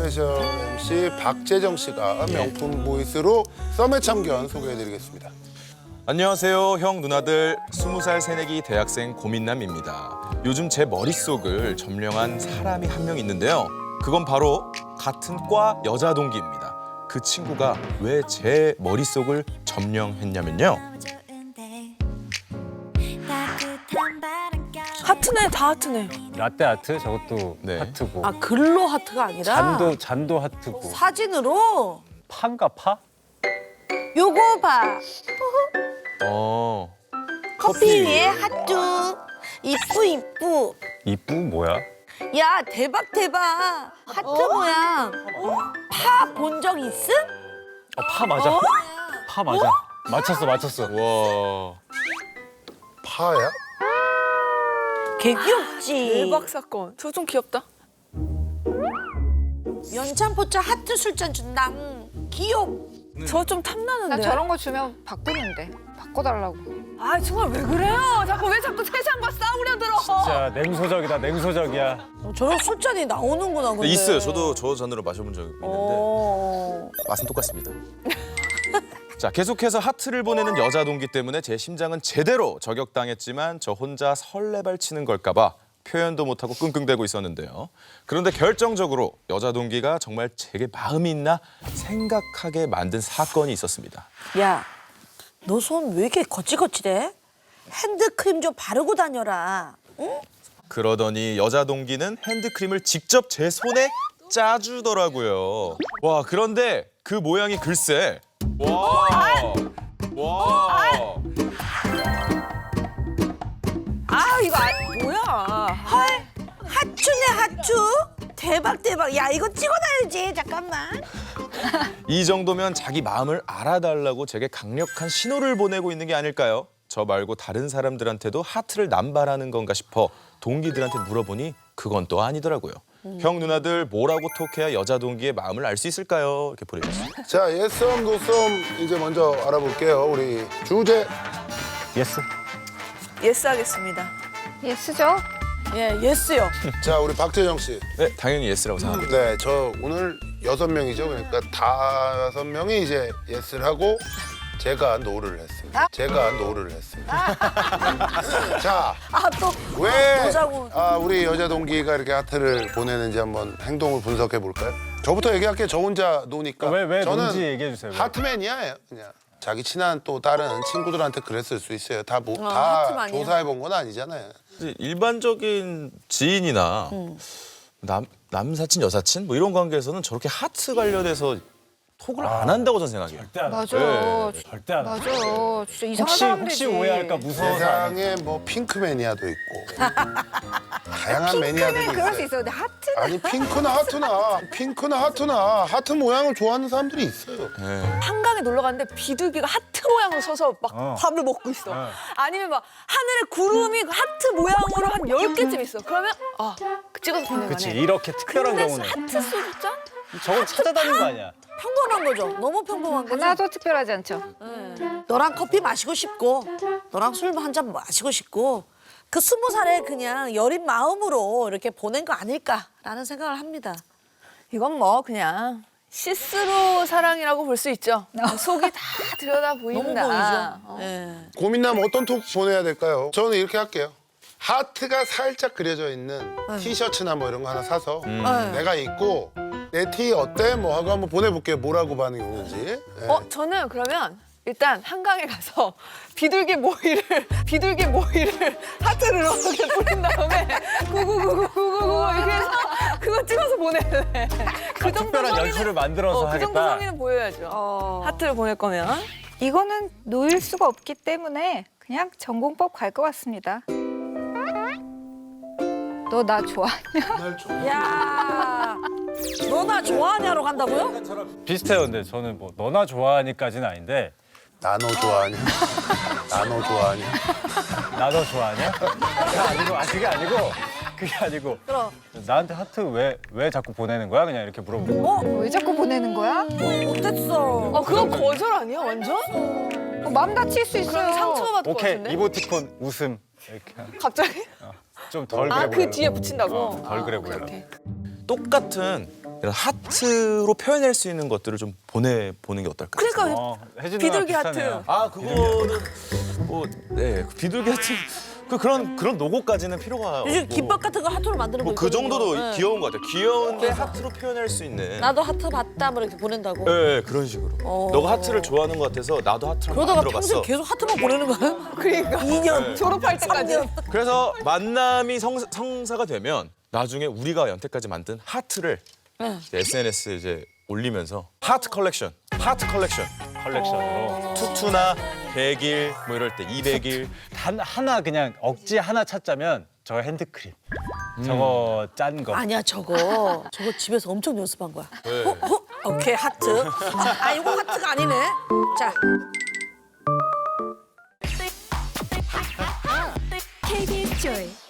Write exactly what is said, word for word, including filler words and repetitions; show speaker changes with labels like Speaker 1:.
Speaker 1: 스페셜 엠씨 박재정 씨가 명품 보이스로 썸의 참견 소개해드리겠습니다.
Speaker 2: 안녕하세요, 형 누나들. 스무 살 새내기 대학생 고민남입니다. 요즘 제 머릿속을 점령한 사람이 한 명 있는데요. 그건 바로 같은 과 여자 동기입니다. 그 친구가 왜 제 머릿속을 점령했냐면요.
Speaker 3: 하트네, 다 하트네.
Speaker 4: 라떼 아트 저것도
Speaker 2: 네.
Speaker 4: 하트고
Speaker 3: 아, 글로 하트가 아니라
Speaker 4: 잔도 잔도 하트고
Speaker 3: 사진으로?
Speaker 4: 파인가 파?
Speaker 3: 요거 봐.
Speaker 2: 어.
Speaker 3: 커피 위에 하트. 이쁘 이쁘.
Speaker 4: 이쁘 뭐야?
Speaker 3: 야, 대박 대박. 하트 모양. 파 본 적 있음?
Speaker 4: 어, 파 맞아.
Speaker 3: 어?
Speaker 4: 파 맞아. 맞췄어 맞췄어.
Speaker 2: 와.
Speaker 1: 파야?
Speaker 3: 개 귀엽지.
Speaker 5: 대박 사건. 저 좀 귀엽다.
Speaker 3: 연찬포차 하트 술잔 준다. 귀엽.
Speaker 5: 저 좀 탐나는데.
Speaker 6: 나 저런 거 주면 바꾸는데 바꿔달라고.
Speaker 5: 아 정말 왜 그래요? 자꾸 왜 자꾸 세상과 싸우려 들어?
Speaker 4: 진짜 냉소적이다 냉소적이야.
Speaker 3: 어, 저런 술잔이 나오는구나 근데.
Speaker 2: 있어요. 저도 저 잔으로 마셔본 적 있는데
Speaker 3: 어.
Speaker 2: 맛은 똑같습니다. 자, 계속해서 하트를 보내는 여자 동기 때문에 제 심장은 제대로 저격당했지만 저 혼자 설레발 치는 걸까 봐 표현도 못하고 끙끙대고 있었는데요. 그런데 결정적으로 여자 동기가 정말 제게 마음이 있나 생각하게 만든 사건이 있었습니다.
Speaker 3: 야, 너 손 왜 이렇게 거칠거칠해? 핸드크림 좀 바르고 다녀라. 응?
Speaker 2: 그러더니 여자 동기는 핸드크림을 직접 제 손에 짜주더라고요. 와, 그런데 그 모양이 글쎄. 와. 와.
Speaker 5: 아 이거 아, 뭐야?
Speaker 3: 헐, 하추네 하추. 대박 대박. 야, 이거 찍어놔야지. 잠깐만.
Speaker 2: 이 정도면 자기 마음을 알아달라고 제게 강력한 신호를 보내고 있는 게 아닐까요? 저 말고 다른 사람들한테도 하트를 남발하는 건가 싶어 동기들한테 물어보니 그건 또 아니더라고요. 음. 형 누나들 뭐라고 톡해야 여자 동기의 마음을 알 수 있을까요? 이렇게 보내주셨어요.
Speaker 1: 자, 예썸, 노썸 이제 먼저 알아볼게요. 우리 주제.
Speaker 4: 예스.
Speaker 5: 예스 하겠습니다.
Speaker 6: 예스죠?
Speaker 3: 예, 예스요.
Speaker 1: 자, 우리 박재정 씨.
Speaker 2: 네, 당연히 예스라고 생각합니다.
Speaker 1: 네, 저 오늘 여섯 명이죠. 그러니까 다섯 명이 이제 예스를 하고 제가 노를 했습니다. 제가 노를 했습니다. 자,
Speaker 3: 아, 또
Speaker 1: 왜
Speaker 3: 보자고.
Speaker 1: 아, 우리 여자 동기가 이렇게 하트를 보내는지 한번 행동을 분석해 볼까요? 저부터 얘기할게요. 저 혼자 노니까.
Speaker 4: 왜, 왜
Speaker 1: 저는
Speaker 4: 뭔지 얘기해 주세요. 왜?
Speaker 1: 하트맨이야, 그냥. 자기 친한 또 다른 친구들한테 그랬을 수 있어요. 다, 뭐,
Speaker 3: 어,
Speaker 1: 다
Speaker 3: 하트만이야.
Speaker 1: 조사해 본 건 아니잖아요.
Speaker 2: 일반적인 지인이나 남, 남사친, 여사친 뭐 이런 관계에서는 저렇게 하트 관련해서 톡을 안 한다고 저는 생각해요.
Speaker 4: 절대 안 해.
Speaker 6: 맞아.
Speaker 2: 네,
Speaker 4: 절대 안 해.
Speaker 6: 맞아. 진짜 이상한
Speaker 4: 혹시
Speaker 6: 사람들이지.
Speaker 4: 혹시 오해할까 무서워서 안 해.
Speaker 1: 세상에 뭐 핑크 매니아도 있고 다양한 매니아들이
Speaker 6: 핑크는 그럴 수
Speaker 1: 있어요.
Speaker 6: 있어. 근데 하트는
Speaker 1: 아니 핑크나 하트나 핑크나 하트나 하트 모양을 좋아하는 사람들이 있어요.
Speaker 2: 네.
Speaker 5: 한강에 놀러 갔는데 비둘기가 하트 모양으로 서서 막
Speaker 4: 어.
Speaker 5: 밥을 먹고 있어.
Speaker 4: 어.
Speaker 5: 아니면 막 하늘에 구름이 하트 모양으로 한 열 개쯤 있어. 그러면 아 찍어서 보내면
Speaker 4: 그치 이렇게 특별한
Speaker 5: 근데
Speaker 4: 경우는
Speaker 5: 하트 술잔?
Speaker 4: 저건 찾아다니는 거 아니야.
Speaker 3: 평범한 거죠. 너무 평범한 거죠.
Speaker 6: 하나도 특별하지 않죠.
Speaker 3: 너랑 커피 마시고 싶고, 너랑 술 한 잔 마시고 싶고, 그 스무 살에 그냥 여린 마음으로 이렇게 보낸 거 아닐까라는 생각을 합니다.
Speaker 5: 이건 뭐 그냥 시스루 사랑이라고 볼 수 있죠. 속이 다 들여다
Speaker 3: 너무
Speaker 5: 보인다.
Speaker 3: 보이죠.
Speaker 5: 어.
Speaker 3: 예.
Speaker 1: 고민남 어떤 톡 보내야 될까요? 저는 이렇게 할게요. 하트가 살짝 그려져 있는 티셔츠나 뭐 이런 거 하나 사서
Speaker 3: 네.
Speaker 1: 내가 입고 내 티 어때? 뭐 하고 한번 보내볼게요. 뭐라고 반응이 오는지. 예.
Speaker 5: 어, 저는 그러면 일단 한강에 가서 비둘기 모이를 비둘기 모이를 하트를 이렇게 뿌린 다음에 구구구구구구구 이렇게 해서 그거 찍어서 보낼래. 그 정도
Speaker 4: 특별한
Speaker 5: 성의는-
Speaker 4: 연출을 만들어서
Speaker 5: 어, 그 정도
Speaker 4: 하겠다.
Speaker 5: 성의는 보여야죠.
Speaker 3: 어.
Speaker 5: 하트를 보낼 거면.
Speaker 6: 이거는 놓일 수가 없기 때문에 그냥 전공법 갈 것 같습니다. 너 나 좋아하냐?
Speaker 3: 야, 너 나 좋아하냐로 간다고요?
Speaker 4: 비슷해요. 근데 저는 뭐 너나 좋아하니까지는 아닌데
Speaker 1: 나 너 좋아하냐? 나 너 좋아하냐?
Speaker 4: 나 너 좋아하냐? 그게 아니고 아 그게 아니고 그게 아니고
Speaker 3: 그럼.
Speaker 4: 나한테 하트 왜 왜 자꾸 보내는 거야? 그냥 이렇게 물어보고.
Speaker 3: 어?
Speaker 6: 왜 자꾸 보내는 거야?
Speaker 3: 어땠어?
Speaker 5: 어, 그건 거절 아니야, 완전?
Speaker 6: 어, 마음 다칠 수 있어요.
Speaker 5: 그럼 상처받을 것
Speaker 4: 오케이
Speaker 5: 같은데?
Speaker 4: 이모티콘 웃음 이렇게
Speaker 5: 갑자기?
Speaker 4: 좀 덜 그래
Speaker 5: 아,
Speaker 4: 보여.
Speaker 5: 그 뒤에 붙인다고?
Speaker 4: 어, 덜 그래
Speaker 5: 아, 오케이,
Speaker 4: 보여.
Speaker 5: 오케이.
Speaker 2: 똑같은 이런 하트로 표현할 수 있는 것들을 좀 보내보는 게 어떨까요?
Speaker 3: 그러니까
Speaker 4: 어, 혜진
Speaker 5: 비둘기
Speaker 4: 누나
Speaker 5: 하트.
Speaker 4: 비슷하네요.
Speaker 2: 아 그거는 뭐 네 비둘기 하트 그 그런 그런 로고까지는 필요가 없고
Speaker 3: 요즘 김밥 같은 거 하트로 만드는 거
Speaker 2: 뭐 그
Speaker 3: 있거든요.
Speaker 2: 정도도
Speaker 3: 네.
Speaker 2: 귀여운 것 같아요. 귀여운데 하트로 표현할 수 있는.
Speaker 3: 나도 하트 봤다 뭐 이렇게 보낸다고.
Speaker 2: 네, 그런 식으로.
Speaker 3: 어.
Speaker 2: 너가 하트를 좋아하는 것 같아서 나도 하트를
Speaker 3: 그러다가
Speaker 2: 만들어봤어.
Speaker 3: 평생 계속 하트만 보내는 거야?
Speaker 5: 그러니까
Speaker 3: 이 년
Speaker 5: 졸업할 때까지.
Speaker 2: 그래서 만남이 성, 성사가 되면 나중에 우리가 연태까지 만든 하트를
Speaker 3: 네.
Speaker 2: 이제 에스엔에스에 이제 올리면서 하트 컬렉션, 하트 컬렉션.
Speaker 4: 컬렉션으로.
Speaker 2: 투투나 백 일 뭐 이럴 때 이백 일
Speaker 4: 단 하나 그냥 억지 하나 찾자면 저 핸드크림. 저거 짠 거.
Speaker 3: 아니야 저거 저거 집에서 엄청 연습한 거야.
Speaker 2: 네.
Speaker 3: 어, 어? 오케이 하트. 아 이거 하트가 아니네. 자
Speaker 7: 케이비에스 조이